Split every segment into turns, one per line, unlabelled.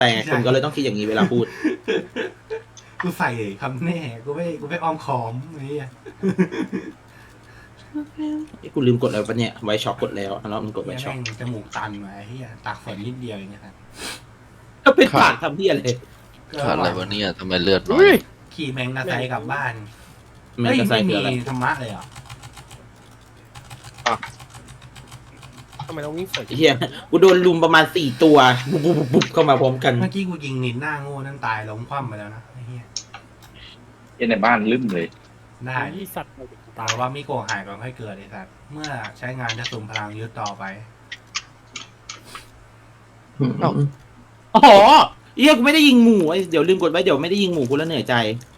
แต่คนก็เลยต้องคิดอย่างนี้เวลาพูด
กูใส่คำแน่กูไม่อ้อมค้อมนี่
กูลืมกดอะไรปะเนี่ยไวช็อกกดแล้วแล้วมันกดไว
เฮีย
ช็อก
แม่งจมูกตันมาเฮียตักฝนนิดเดียวอย่างเงี้ยครับ
ก็เป็นปากทำที่อะไร
ขาดอะไรวะเนี่ยทำไมเลือดน้อ
อุ้
ย
ย
ขี่แมงกะไซกลับบ้าน
แมงกะไซ
ไม่
คืออะไร
มีธรรมะเลยเหรอ
ทำไมต้องวิ่งสวน
เฮียกูโดนลุมประมาณ4 ตัวบุบบุบบุบบุบเข้ามาพร้อมกัน
เมื่อกี้กูยิงนินหน้าโง่นั่นตายล้มคว่ำไปแล้วนะไอ้เฮีย
ในบ้านลืมเลย
ได้
ที่สัตว์
ตายว่ามิโกะหายก่อนค่อยเกิดไอ้สัตว์เมื่อใช้งานจะสุ่มพลังยึดต่อไป
อ๋อเฮียกูไม่ได้ยิงหมูไอ้เดี๋ยวลืมกดไว้เดี๋ยวไม่ได้ยิงหมูกูแล้วเหนื่อยใจ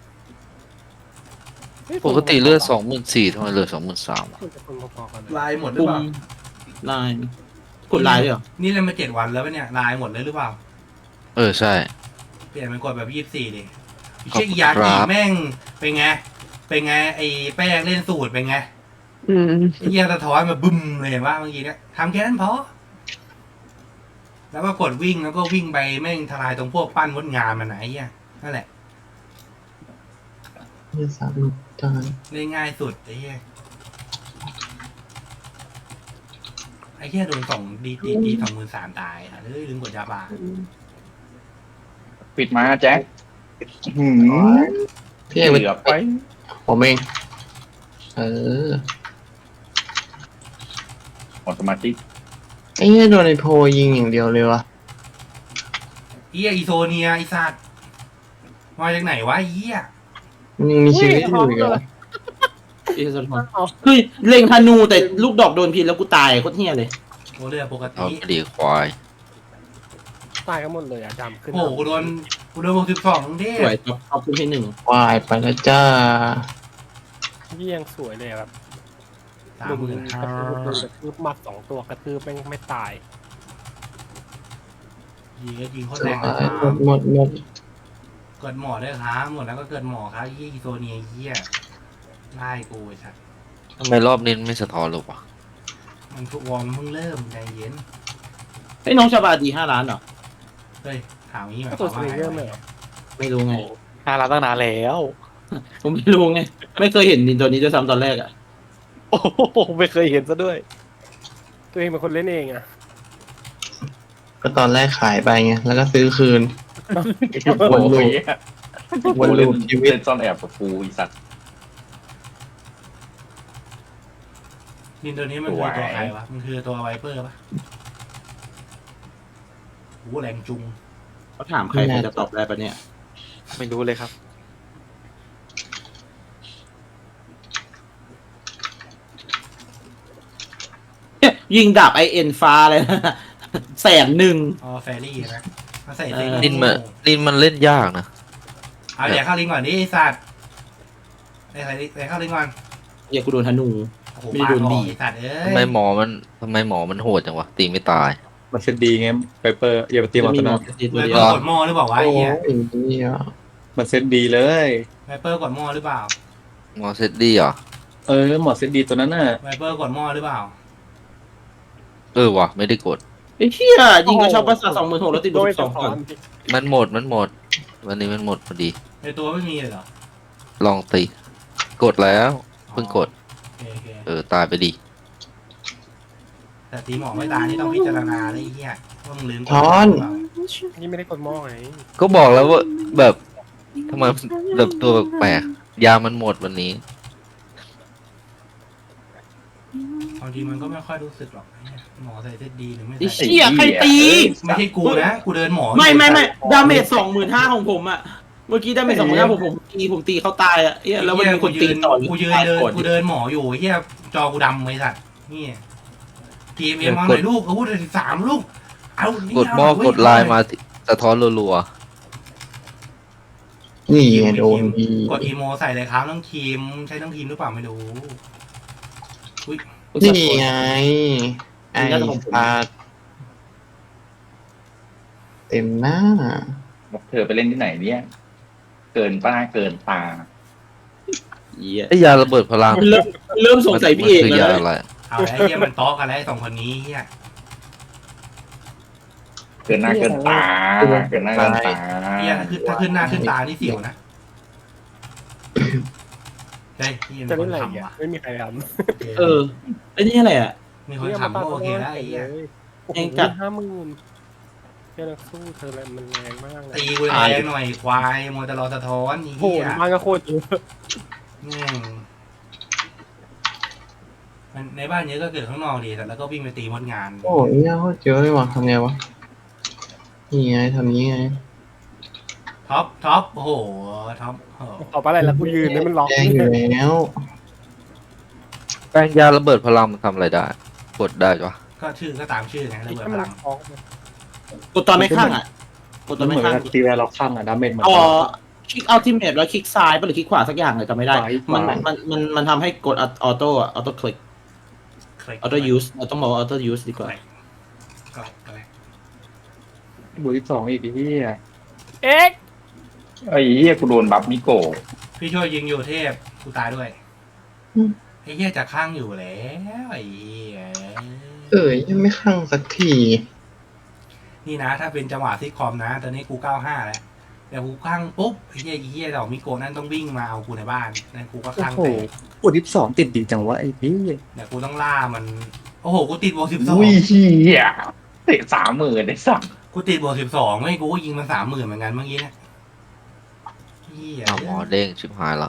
ปกติเลือด24,000ทำไมเลือด23,000
คนจะคนพอๆกันเลย
ลายหมดหรือ
ปุ่
เป
ม
ล่า
ไลน์กดไลน์ด้วยเหรอ
นี่เล่นมา7 วันแล้วปะเนี่ยลายหมดเลยหรือเปล่า
ใช่
เปลี่ยนเป็นกดแบบ24ดิ
ขอบคุณ
เช็คยา
ครั
จี
บ
แม่งเป็นไงไอ้แป้งเล่นสูตรเป็นไงไอ้เหี้ยสะท้อนมาบึ้มเลยเห็นว่าเมื่อกี้เนี่ยทำแค่นั้นพอแล้วก็กดวิ่งแล้วก็วิ่งไปแม่งทลายตรงพวกปั้นมดงานมันไหนไอ้เหี้ยนั่นแหละ
เนี่ยสามจาน
เล่นง่ายสุดไอ้เหี้ยไอ้เหี้ยโดนดี23,000ตายอ่ะเฮ้ยลืมกดยาบา
ปิดมาแจ็คหืม
พี่เอก
เหลือไป
ผมเอง เออ
หมดสมาธิ
ไอ้เนี่ยโดนไอโพยิงอย่างเดียวเลยวะ
เหี้ยอีโซเนียไอ้สัตว์มาจากไหนวะไอ้เหี้ย
มันยังมีชีวิตอยู่อีกเหรอ
เฮียสะท้อนเฮ้ยเล็งธนูแต่ลูกดอกโดนพิษแล้วกูตายโคตรเฮียเลย
โอเรือปก
เอา
ติ
กระดีควาย
ตายกันหมดเลยอ่ะจำขึ้น
โอ้โหกูโดน62ทั้งเท
ส
พ
วยท็อปขึ้นให้1
วายไปแล้วจ้า
ยี่ยังสวยเลยแบบ
30,000
กระทืบหมัด2 ตัวกระทืบไม่ตาย
ยิงโคตร
ส
แร
วย
งเลยครับ
หมด
เกิดหมอด้วยครับหมดแล้วก็เกิดหมอครับยี่อีโซเนียเหี้ยไล่กูไอ้สัตว์
ทำไมรอบนี้ไม่สะท้อนเลยวะ
มันทุกวอร์มนเพิ่งเริ่มใจเย็น
ไอ้ยน้องชาบาดี5 ล้านเหรอ
เฮ้ยถามงี้หมายค
ตัว
วาม
ส
ว่า
วิง
ไง
เกอร์เลยเหรอ
ไม่รู้ไง
5 ล้านตั้งนานแล้ว
ผมไม่รู้ไงไม่เคยเห็นดินตัวนี้ด้วยซ้ำตอนแรกอ่ะ
โอ้โหไม่เคยเห็นซะด้วย
ตัวเองเป็นคนเล่นเองอ่ะ
ก็ตอนแรกขายไปไง แล้วก็ซื้อคืน วนลูป วนลูปชีวิต
เล่นซ่อนแอบกับกูอีสัตว์
ดินตัวนี้มันคือตัวใครวะมันคือตัวไวเปอร์ปะโหแรงจุง
เขาถามใครใครจะตอบได้ปะเนี่ย
ไม่รู้เลยครับ
ยิงดาบINฟ้าเลยนะ100,000
อ๋อแฟรี่นะมาใส่เซ็ก
ลินมันเล่นยากนะ
เอาเดี๋ยวเข้าลิงก่อนดิไอ้สัตว์ไอ้ใส่เข้าลิงก่อน
เฮียกูโดนธนู
โอ้โห
ไม่ได้
ปา
โด
ด
น
อ
ดี
อกไอ้สัตว์เอ้
ทำไม
ย
หมอมันโหดจังวะตีไม่ตาย
มันเซตดีไงไวเปอร์อย่าไปตีมอนต
จะมีหม
นา
อตีตัว
ไว
เดีย
เปอ
ว
ร์กดหม้อหรือเปล่าวะ
โอ้
ไอ้เหี้ย
ยนี่อ่ะ
มันเซตดีเลย
ไวเปอร์กดหม้อหรือเปล่า
หมอเซตดีเหรอ
หมอเซตดีตัวนั้นน่ะ
ไวเปอร์กดหม้อหรือเปล่า
วะไม่ได้กด
ไอ้เฮียยิงกระชับประสาท26,000แล้วติดบ
โด
วย ก
สะ
2
ท้
ก่
อ
อน
น
มันหมดวันนี้มันหมดพอดี
ในตัวไม่มีเลยเหรอ
ลองตีกดแล้วเพิ่งกด
โอเค
ตายไปดี
แต่ตีหมอไม่ตายนี่ต้องพิจารณาเลยไอ้เหี้ยว่ามึงลืมกด
ช้อน
หรือเปล่า
นี่ไม่ได้กดหม้อไง
ก็บอกแล้วว่าแบบทำไมแบบตัวแปลกๆยามันหมดวันนี้
บางทีมันก็ไม่ค่อยรู้สึกหรอกไอ้เหี้ยหมอใส่เซตดีหรือไม่
ไอ้
ใส่
เชี่ยใครตี
ไม่ใช่กูนะกูเดินหมอ
ไม่ดาเมจ25,000ของผมอ่ะเมื่อกี้ดาเมจ25,000ผมตีเขาตายอ่ะเฮียแล้วมันมีคนตีต่อ
กูยืนกูเดินหมออยู่ไอ้เหี้ยจอกูดำไอ้สัตว์นี่ทีมเอ็มมาหน่อยลูกอาวุธ13ลูกเอานี่
กดหม้อกดไลน์มาสะท้อนรัว
นี่ไงโดนดี
กดอีโมใส่เลยครับน้องทีมใช้น้องทีมหรือเปล่าไม่รู้
นี่ไง ไอ้ปาดเต็มหน้า
บอกเธอไปเล่นที่ไหนเนี่ย เกินป้าเกินตา
เฮีย
ๆไอ้ยาระเบิดพลัง
เริ่มสงสัยพี่เอก
มันคื
แล้
ยาว อะไร
เอาไอ้เหี้ยมันต๊อกกันแล้วไอ้สองคนนี้เหี้ย
เกินหน้าเกินตาเกินหน้าเกินตา
เฮียถ้าขึ้นหน้าขึ้นตานี่เสียวนะเฮ้ยพี่
จะ
มี
เล่
คน น
อะไร
ทำ
อ่ะ
ว่ะ
ไม่มีใครท
เออไอ้นี่อะไรอ่ะ
มี
ำ
คนทำก็โอเคแล้วไอ้เหี้ย
เองจัด
50,000เจ้านักสู้เธอแล้วมันแรงมากเลย
ตีกูแรงหน่อยควายมัวแต่รอสะท้อนไอ้
โห
เหี้ย
มันก็โคตรเยอะ
แม่งมันในบ้านเยอะก็เกิดข้างนอกดีแต่แล้วก็วิ่งไปตีมดงาน
โอ้ยเนี่ยโคตรเยอะเลยว่ะทำไงวะนี่ไงทำนี้ไง
ท็อปโอ้โหท็อปโอ้โห
ต่อไปอะไรแล้วกูยืนนี่มันล็อก
แดงอยู่แล้ว
แป้งยาระเบิดพลังมันทำอะไรได้ กดได้ปะ
ก็ชื่อก็ตามชื่อไงระเบิดพลัง
กดตอนไม่ข้างอ่ะกดตอน
เห
ไม่
มือน
ข้าง
กับตีแวร์ล็อกข้างอะดาเมจเหมือน
อ๋อ
กัน
คลิกอัลติเมทแล้วคลิกซ้ายไปหรือคลิกขวาสักอย่างเลยจำไม่ได้ มันทำให้กดออโต้อะออโต้คลิกออโต้ยูสเราต้องบอกว่าออโต้ยูสดีกว่า
ก็เลย
บวก12อีกที่
เอ็ก
ไอ้เหี้ยกูโดนบัฟมิโกะ
พี่ช่วยยิงอยู่เทพกูตายด้วยไอ้เหี้ยจะข้างอยู่แล้วไอ้เหี้ย
ยังไม่ข้างสักที
นี่นะ ถ้าเป็นจังหวะซิทคอมนะ ตอนนี้กู95แล้วแต่กูข้างปุ๊บไอ้เหี้ยดอกมิโกะนั่นต้องวิ่งมาเอากูในบ้านนั่นกูก็
โอ้
ข้าง
โห
แตก
บวก12ติดดีจังวะไอ้พี่
เดี๋ยวกูต้องล่ามัน โอ้โห กูติดบวก12
อุ้ยเหี้ยเตะ30,000ได้สัก
กูติดบวก12ไม่กูก็ยิงมัน30,000เหมือนกันเมื่อกี้เนี่ยเหี้ย
หมอเด้งชิบหายละ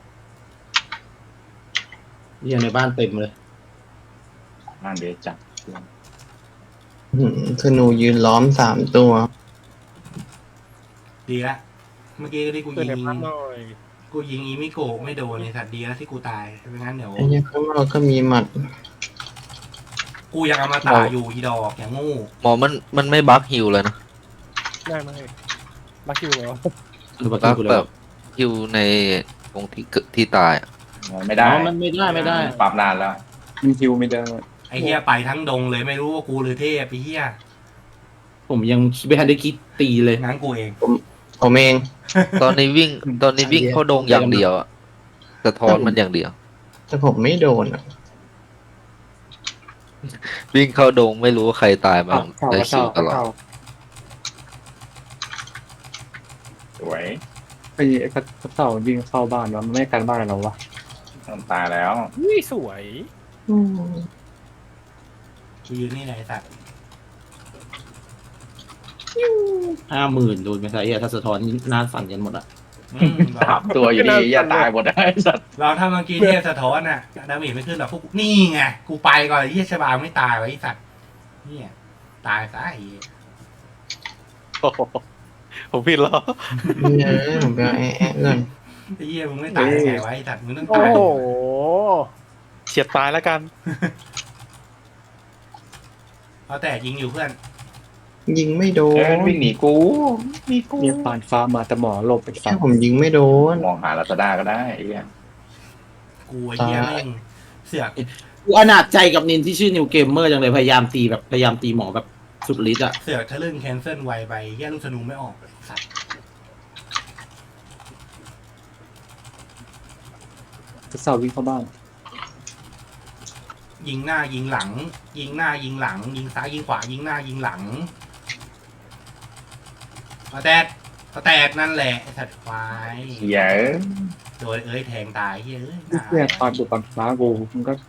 เรียนในบ้านเต็มเลย
นั่นเดี๋ยวจับ
ธนูยืนล้อม3 ตัว
ดีละเมื่อกี้ที่กู
เกิด
ยิ
ใน
ง
ภาพหน่อย
กูยิงอีมิโกะไม่โดนในสัตว์ดีแล้วที่กูตายไม่งั้นเดี๋ยว
ไอ้เนี่ยข้างนอกก็มีหมัด
กูยังเอามาตาอยู่อีดอกอย่างงู
หมอมันไม่บั๊กฮิวเลยนะ
ได้ไหมบักคิวแล้ว
หรือว่า
บั๊ก
กูเล
แบ
ย
บฮิวในตรงที่ตายอะ
ไม่ได้
อ๋อมันไม่ได้
ปรับนานแล้ว
มันฮิวไม่ได้
ไอ้เหี้ยไปทั้งดงเลยไม่รู้ว่ากูหรือเทพไอ้เหี้ย
ผมยังไม่ทันได้คิดตีเลย
งั้นกูเอง
ผมเอง
ตอนนี้วิ่งเข้าดงอย่างเดียวอะสะท้อนมันอย่างเดียว
แต่ผมไม่โดนอ่ะ
วิ่งเข้าดงไม่รู้ว่าใครตายมาได้คิวตลอด
สวย
ไอ้กระเต่าวิ่งเข้าบ้านวะมันไม่กันบ้านเราวะ
ตายแล้ว
อุ้ยสวย
กูยืนนี่ไหนสัตว์
50,000โดนไปซะถ้าสะท้อนหน้าสั่นกันหมดอ่ะ
3 ตัวอยู่ดีอย่าตายหมดได้สัตว์
เราถ้าเมื่อกี้เทพสะท้อนน่ะดาเมจไม่ขึ้นหรอกพวกนี่ไงกูไปก่อนไอ้เหี้ยชบาไม่ตายไว้ไอ้สัตว์เนี่ยตายซะไอ้เหี้ย
โอ้โหผมผิดแล้ว
เนี่ยผมไปเอาแอะก่อน
ไอ้เหี้ยมึงไม่ตายได้ไงวะไอ้สัตว์มึงต้อง
โอ้
ตาย
โห
เฉียดตายแล้วกัน
เอาแต่ยิงอยู่เพื่อน
ยิงไม่โด
เอ้ย
น
วิ่งหนีกูมีกู
เนี่ยปานฟ้ามาแต่หมอหลบไป
แค่
ฝั่ง
ผมยิงไม่โดน
มองหาลาซาด้าก็ได้ไอ้เหี้ย
กูไอ้เหี้ยแม่งเสือก
กูอนาจใจกับนินที่ชื่อนิวเกมเมอร์จังเลยพยายามตีหมอแบบสุดฤทธิ์อ่ะ
เสือกทะลึ่งแคนเซิลไวไปเหี้ยลูกธนูไม่ออกเลยสัตว์
กระเต่าวิ่งเข้าบ้าน
ยิงหน้ายิงหลัง ยิงหน้ายิงหลัง ยิงซ้ายยิงขวายิงหน้ายิงหลังเอาแต่นั่นแหละไอ้สัตว์ควาย
เหี้ย
โดนแทงตายเฮ้ย
เนี่ยปานบุกปานฟ้ากูมันก็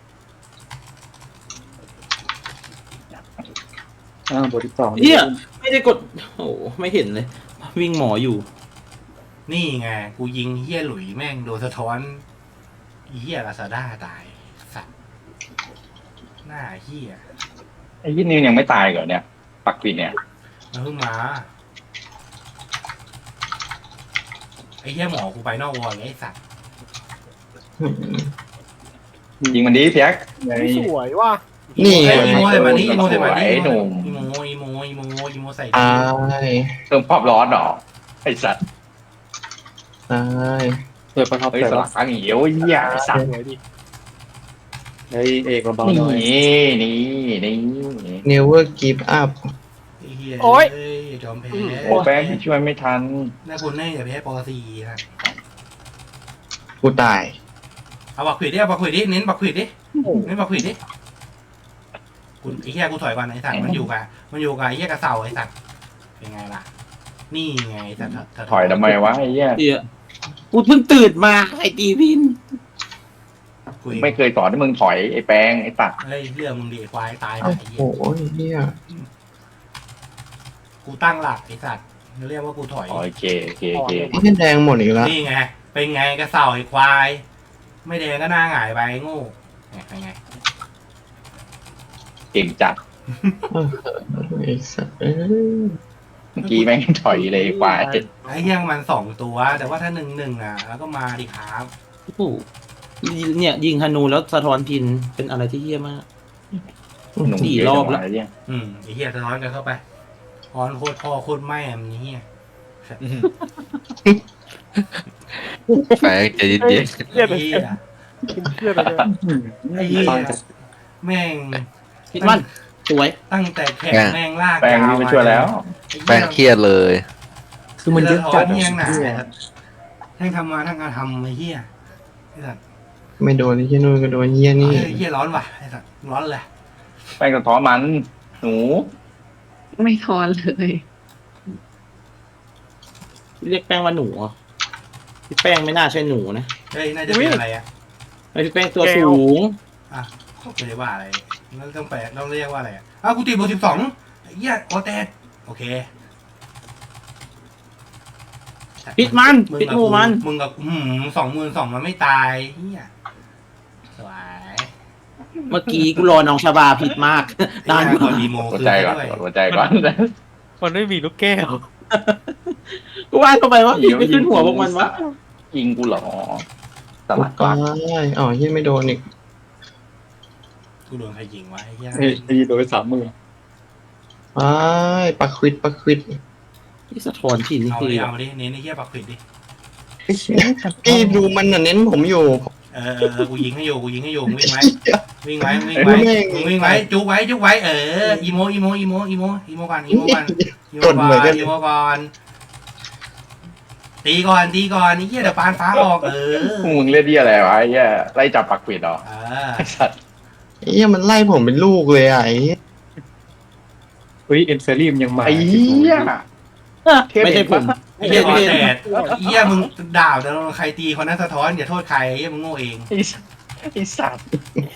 บวก12
เหี้ยไม่ได้กดโอ้ไม่เห็นเลย วิ่งหมออยู่
นี่ไงกูยิงเฮี้ยหลุยแม่งโดนสะท้อนเฮี้ยลาซาด้าตายสัตว์หน้าเฮี้ย
ไอ้ยี่นิวยังไม่ตายเหรอเนี่ย ปักปิดเนี่ย
มันเพิ่งมาไอ้เฮี้ยหมอกูไปนอกวอลเลยไอ้สัตว์
ยิงมันดีเพียก
สวยว่ะ
นี่ไง
อีโม่ใส่มานี่อีโม่ใส่มานี่
ไอ้หนุ่ม
อีโม่ใส่
ตา
นี่
ย
เติมความร้อนหรอไอ้สัตว์
ตาย
เปิดประทับ
เฮ้ย
ใจ
สลักเหี่ยวเหี้ยไอ้สัตว์
สวยดิ
ไอ้เอกเบาๆหน่อย
นี่
never give up
ไอ้เฮี้ย
โอ๊ย
เอ้ยยอมแพ้
โอ้แป้งช่วยไม่ทัน
น่าคุณแน่อย่าแพ้ปอซีนะ
กูตาย
เอาบักขวิดดิเอาบักขวิดดิเน้นบักขวิดดิเน้นบักขวิดดิกูไอ้เหี้ยกูถอยก่อนไอ้สัตว์มันอยู่กับไอ้เหี้ยกระเสาไอ้สัตว์เป็นไงล่ะนี่ไงแต่
ถอยทำไมวะไอ้เหี้ย
เดี๋ยวกูเพิ่งตื่นมาไอ้ตีพิน
กูเอง
ไม่เคยสอนให้มึงถอยไอ้แปงไอ้ตัด
เฮ้ยเรื่องมึงดีควายตายไป
โอ้
ไอ้เหี้ย
โหเฮีย
กูตั้งหลักไอ้สัตว์เรียกว่ากูถอย
โอเคโอเคโอเค
เฮียแดงหมดอีกแล้ว
นี่ไงเป็นไงกระเสาไอ้ควาย ไม่แดงก็หน้าหงายไปโง่เป็นไง
เก่งจัด
ไอ้สัสเอ้ย
เมื่อกี้แม่งถอยเลยไอ้ควาย
ไอ้เหี้ยมัน2 ตัว แต่ว่าถ้า1-1อ่ะแล้วก็มาดิครับ
โอ้โหเนี่ยยิงธนูแล้วสะท้อนพินเป็นอะไรที่เหี้ยมาก
หนุ่ม
สี่
เยอะ
รอบ
จัง
แล้ว
วะไอ้เหี้ย
ไอ้เหี้ยสะท้อนกันเข้าไปท้อนโคตรพ่อโคตรแม่มันเหี้ย
แปลกใจเย็น
ไอ้เหี้ย
เพื่อนไปเลย
ไอ้เหี้ย
ตอนจะ
แม่ง
พินมันสวย
ตั้งแต่แข่งแม่งลาก
แปงนี่มาช่วยแล้ว
ๆแปลงเครียดเลย
คือมันเยอะจัด
เหี้ยหนา
เนี่ย
ทั้งทำมาทั้งการทำไอ้เหี้ยไอ้สัตว์
ไม่โดนไอ้เฮียนู่นก็โดนเฮียนี่
ไอ้เหี้ยร้อนว่ะไอ้สัตว์ร้อนเลย
แปงสะท้อนมันหนู
ไม่ทอนเลย
เรียกแป้งว่าหนูเหรอพี่แป้งไม่น่าใช่หนูนะ
เฮ้ยน่าจะเป็นอะไรอ่ะ
ไอ้พี่แป้งตัวสูง
อ่ะไม่ได้ว่าอะไรแล้วต้องแปลต้องเรียกว่าอะไรอ่ะอ้าวกูตีบวก12ไอ้เหี้ยโอเตสโอเค
พิดมันพิดงูมัน
มึงกับ22,000มันไม่ตายเหี้ยสวย
เมื่อกี้กูรอน้องชาบาผิดมาก นาน
ก
มา
ด
ก
ดีโม
หัว
คืน
ใจ
ให้
ก่อน
ด้วย
หัวใจก่อน
มันไม่มีลูกแก้ว
กูว่าทำไมวะพี่ไม่ขึ้นหัวพวกมันวะ
ยิงกูเหรอสลัด
ก็
ก่อน
ได้อ๋อเฮียไม่โดนอีก
กูโดนใครยิงวะไอ้เหี้ย
เฮ้ยตีโดย30,000
ไปปักควิดปักควิด
ที่สะท้อนผิน
เอา
ที
ดิเอาดิเน้นไอ้เหี้ยปักผิดดิ
พี่ดูมันน่ะเน้นผมอยู่
กูยิงให้อยู่มึงวิ่งไว้วิ่งไว้มึงวิ่งไว้จุกไว้อีโมก่อนอีโมก่อนตีก่อนไอ้เหี้ยเดี๋ยวปานฟ้าออก
มึงเล่นที่อะไรวะไอ้เหี้ยไล่จับปักปิดเหรอไอ้สัตว์
เฮียมันไล่ผมเป็นลูกเลยอ่ะไอ้เหี้ย
เฮ้ยเอ็นเฟอรี่มันยังมา
ไอ้เหี้ย
ไม่ใช่ผม
ไอ้เหี้ยแต่เหี้ยมึงด่าแต่ใครตีคนนั้นสะท้อนอย่าโทษใครไอ้เหี้ยมึงโง่เอง
ไอ้สัตว์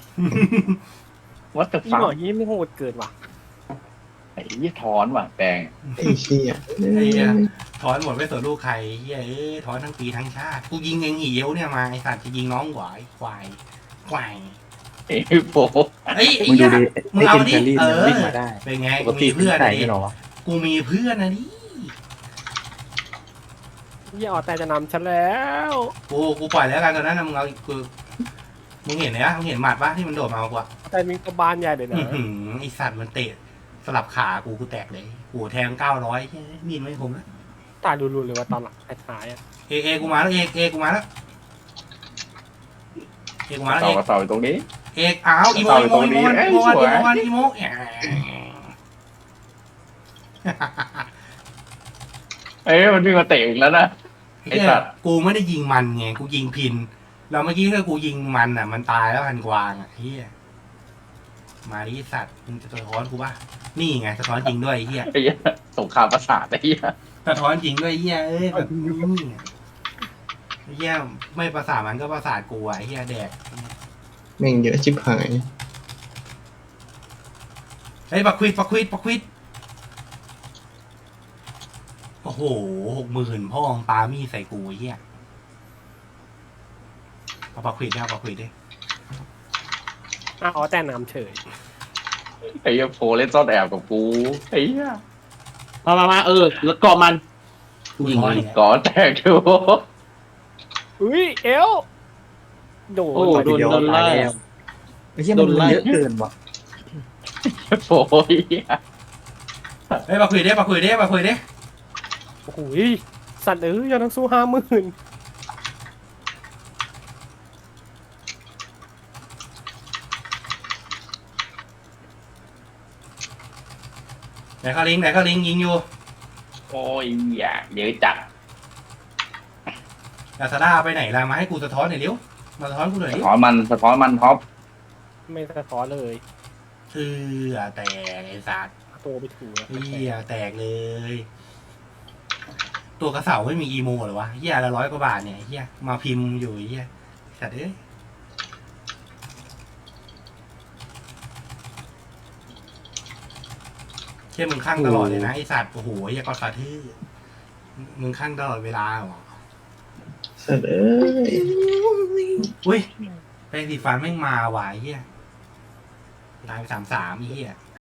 What the
พี่
fuck
หมอยี่ไม่โหดเกินว่ะ
ไอ้เหี้ยถอนว่ะแปง
ไอ้เชี่ย
ไอ้เหี้ยถอนหมดไม่สนลูกใครเหี้ยถอนทั้งปีทั้งชาติกูยิงเองหีเอวเนี่ยมาไอ้สัตว์จะยิงน้องหวายควาย
ไอ้โฟ
ไอ้
มึง
เหี้
ดู
ย
ดิ
มึง
ไอ้
เอา
เอ็น
ดิ
เฟอรี่มันวิ่งมาได้
เป็นไง
ป
กู
กติ
มีเพื่อน
ไหน
นะดิ
ไม่หรอวะ
กูมีเพื่อนนะดิ
ยี่ออแต่จะนำฉันแล้ว
กูปล่อยแล้วกันตอนนั้นนะมึงเอากูมึงเห็นไหมมึงเห็นหมัดปะที่มันโดดมาเอากูอะ
แต่มีกระบาลใหญ่เลยนะ
ไอสัตว์มันเตะสลับขากูแตกเลยกูแทง900มีนไม่ผมนะ
ตายรุนๆเลยว่าตอนหลังท้ายๆอ่ะ
เอกูมาแล้วเอกูมาแล้ว
เต่ากับเต่าอยู่ตรงนี้
เอกอ้าวอีโม
เอ้ยมันวิ่งมาเตะอีกแล้วนะ ไอ้สัตว์
กูไม่ได้ยิงมันไงกูยิงพินแล้วเมื่อกี้ถ้ากูยิงมันอ่ะมันตายแล้วพันกวางอ่ะเฮียมาดิสัตว์มึงจะสะท้อนกูป่ะนี่ไงสะท้อนจริงด้วยเฮีย
ไอ้เหี้ยสงครามประสาทไอ้เหี้ย
สะท้อนจริงด้วยเฮียแบบเฮียไม่ประสาทมันก็ประสาทกูอ่ะเฮียแดก
แม่งเยอะชิบหาย
เฮ้ยปักควิดโอ้โห60,000พ่อของปามี่ใส่กูเฮียเอาปักควิดดิ
อ๋อแต่นำเฉย
ไอ้เหี้ยโฟเล่นซ่อนแอบกับกูไอ้เหี้ย
มาแล้วเกาะมันยิง
ก่อนแตกดู
อุ้ยเอลโด
โอ้
น
โดนไล่
ไอ้เหี้ยมันเยอะเกินว่ะ
โฟไอ้เหี้ย
เฮ้ยปักควิดดิ
โอ้โหสัตว์ยังต้องสู้50,000
ไหนเขาลิงยิงอยู่
โอ้ยอย่าเยอะจัด
ลาซาด้าไปไหนล่ะมาให้กูสะท้อนหน่อยเร็วมาสะท้อนกูหน่อย
สะ
ดิ
ท้อนมันท็อป
ไม่สะท้อนเลย
แตกไอ้สัตว์
โตไปถูก
แตกเลย ตัวกระเสาไม่มีอีโมเหรอวะเฮียละ100 กว่าบาทเนี่ยเฮียมาพิมพ์อยู่เฮียสัตว์เอ้ยเชี่ยมึงข้างตลอดเลยนะไอสัตว์โอ้โหเฮียก็ฟาทื่อมึงข้างตลอดเวลาเหรอ
สัตว์เอ้ย
อุ้ยแปรงสีฟันแม่งมาว่ะไอ้เฮียตายไป33ไอ้เฮีย